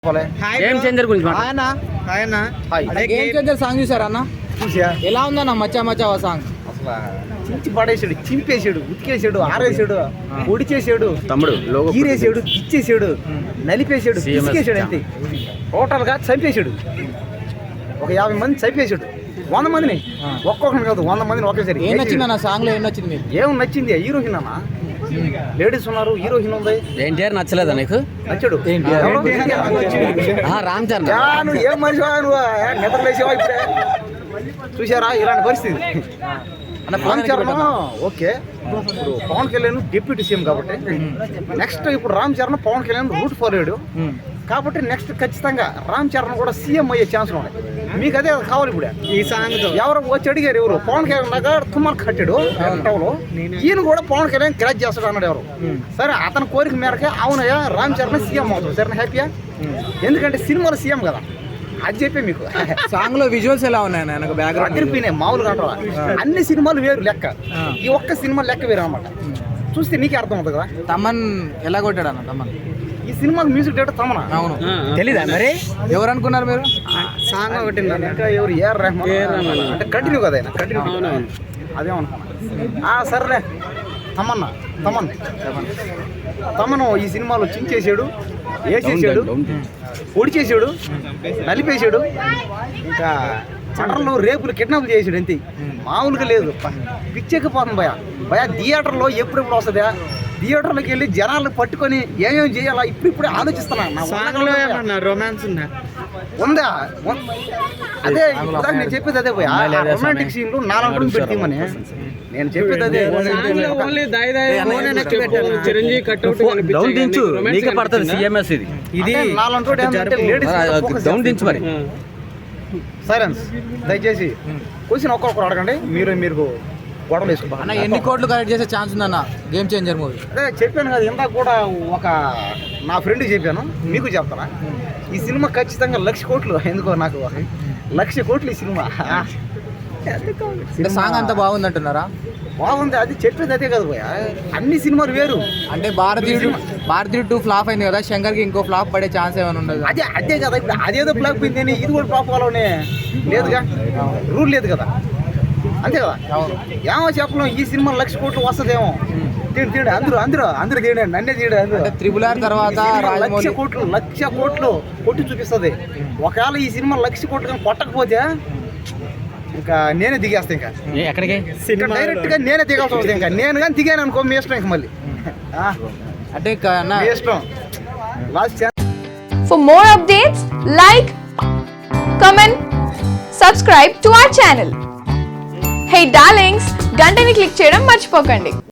Game changer గురించి game changer song చూసారా అన్న? ఎలా ఉందన్న మచ్చా మచ్చా సాంగ్? అసలు చించి పడేసాడు, చింపేసాడు, ఉతికేసాడు, ఆరేసాడు, పొడిచేసాడు, తమ్ముడు గీరేసాడు, ఇచ్చేసాడు, నలిపేసాడు, పిసికేసాడు. అంతే టోటల్ గా చంపేశాడు. ఒక 50 మంది చంపేశాడు. 100 మందిని ఒక్కొక్కరిని కాదు 100 మందిని ఒకేసారి. ఏం నచ్చింది అన్న సాంగ్ లో? ఏం నచ్చింది మీకు? ఏం నచ్చింది? హీరోయిన్ అన్న, లేడీస్ ఉన్నారు, హీరోయిన్ ఉంది. ఎన్టీఆర్ నచ్చలేదా నీకు? నచ్చాడు. రామ్ చరణ్ నువ్వు ఏం మనిషి, నువ్వు నిద్రలేసావా? ఇప్పుడే చూసారా ఇలాంటి పరిస్థితి? రామ్ చరణ్ ఓకే, ఇప్పుడు పవన్ కళ్యాణ్ డిప్యూటీ సీఎం కాబట్టి నెక్స్ట్ ఇప్పుడు రామ్ చరణ్ పవన్ కళ్యాణ్ రూట్ ఫార్వర్డ్ కాబట్టి నెక్స్ట్ ఖచ్చితంగా రామ్ చరణ్ కూడా సీఎం అయ్యే ఛాన్స్ ఉన్నాయి. మీకు అదే కావాలి. ఇప్పుడు ఈ సాంగ్ ఎవరు వచ్చి అడిగారు, ఎవరు పవన్ కళ్యాణ్ లాగా తుమ్మలు కట్టాడు టౌలో, ఈయన కూడా పవన్ కళ్యాణ్ క్రాచ్ చేస్తాడు అన్నాడు ఎవరు. సరే అతని కోరిక మేరకే అవునయ్యా రామ్ చరణ్ సీఎం అవుతాడు. సరే హ్యాపీయా? ఎందుకంటే సినిమాలో సీఎం కదా, అది చెప్పే మీకు. సాంగ్ లో విజువల్స్ ఎలా ఉన్నాయి? నాకు బ్యాక్గ్రౌండ్ అదిరిపోయినాయి మామూలుగా అంటావా? అన్ని సినిమాలు వేరు లెక్క, ఈ ఒక్క సినిమా లెక్క వేరు అనమాట. చూస్తే నీకే అర్థం అవుతుంది కదా. తమన్ ఎలా కొట్టాడు అన్న? తమన్ ఈ సినిమాకి మ్యూజిక్ డైరెక్టర్ తమన. అవును, తెలీదా మరి? ఎవరు అనుకున్నారు మీరు? సాంగ్ ఒకటి ఇంకా ఎవరు ఏఆర్ రెహమాన్ అంటే కంటిన్యూ కదా, ఆయన కంటిన్యూ అదేమనుకున్నా. సర్లే తమను ఈ సినిమాలో చించేసాడు, వేసేసాడు, పొడిచేసాడు, నలిపేసాడు, ఇంకా చట్టంలో రేపులు కిడ్నాప్ చేసాడు. అంతే, మామూలుగా లేదు. పిచ్చెక్కిపోతుంది భయ థియేటర్లో ఎప్పుడెప్పుడు వస్తుందా? థియేటర్లోకి వెళ్ళి జనాలు పట్టుకొని ఏమేమి చేయాలా ఇప్పుడే ఆలోచిస్తున్నా. రొమాన్స్ ఉందా? అదే నేను చెప్పేది అదే పోయా. రొమాంటిక్ సీన్లు 4 రోజులు పెట్టిమని నేను చెప్పేది అదే. ఇది 4 లేడీస్ మరి సైలెన్స్ దయచేసి క్వశ్చన్ ఒక్కొక్కరు అడగండి. మీరు గొడవలు వేసుకోండి. అన్న ఎన్ని కోట్లు కలెక్ట్ చేసే ఛాన్స్ ఉందన్న గేమ్ చేంజర్ మూవీ? అదే చెప్పాను కదా ఇందాక కూడా, ఒక నా ఫ్రెండ్కి చెప్పాను, మీకు చెప్తానా. ఈ సినిమా ఖచ్చితంగా 1,00,000 కోట్లు. ఎందుకో నాకు 1,00,000 కోట్లు ఈ సినిమా. సాంగ్ అంతా బాగుందంటున్నారా? బాగుంది, అది చెప్పేది అదే కదా పోయా. అన్ని సినిమాలు వేరు. అంటే భారతీయుడు 2 ఫ్లాప్ అయింది కదా, శంకర్కి ఇంకో ఫ్లాప్ పడే ఛాన్స్ ఏమైనా ఉండదు? అదే కదా. ఇప్పుడు అదేదో ఫ్లాప్ పోయిందని ఇది కూడా ఫ్లాప్ అవ్వాలనే లేదుగా, రూల్ లేదు కదా, అంతే కదా. ఏమో చెప్పలేం, ఈ సినిమా 1,00,000 కోట్లు వస్తుందేమో. తీయండి అందరూ తీయండి, నన్నే తీయడు. RRR తర్వాత 1,00,000 కోట్లు కొట్టి చూపిస్తుంది. ఒకవేళ ఈ సినిమా 1,00,000 కోట్లు కానీ కొట్టకపోతే ఇంకా నేనే దిగేస్తా. ఇంకా ఎక్కడికి డైరెక్ట్ గా నేనే దిగాల్సి వస్తుంది. ఇంకా నేను కానీ దిగాను అనుకో మీ ఇష్టం. ఇంక మళ్ళీ అంటే మీ ఇష్టం. Last For more updates, like, comment, subscribe to our channel. Hey darlings, గంటని click చేయడం మర్చిపోకండి.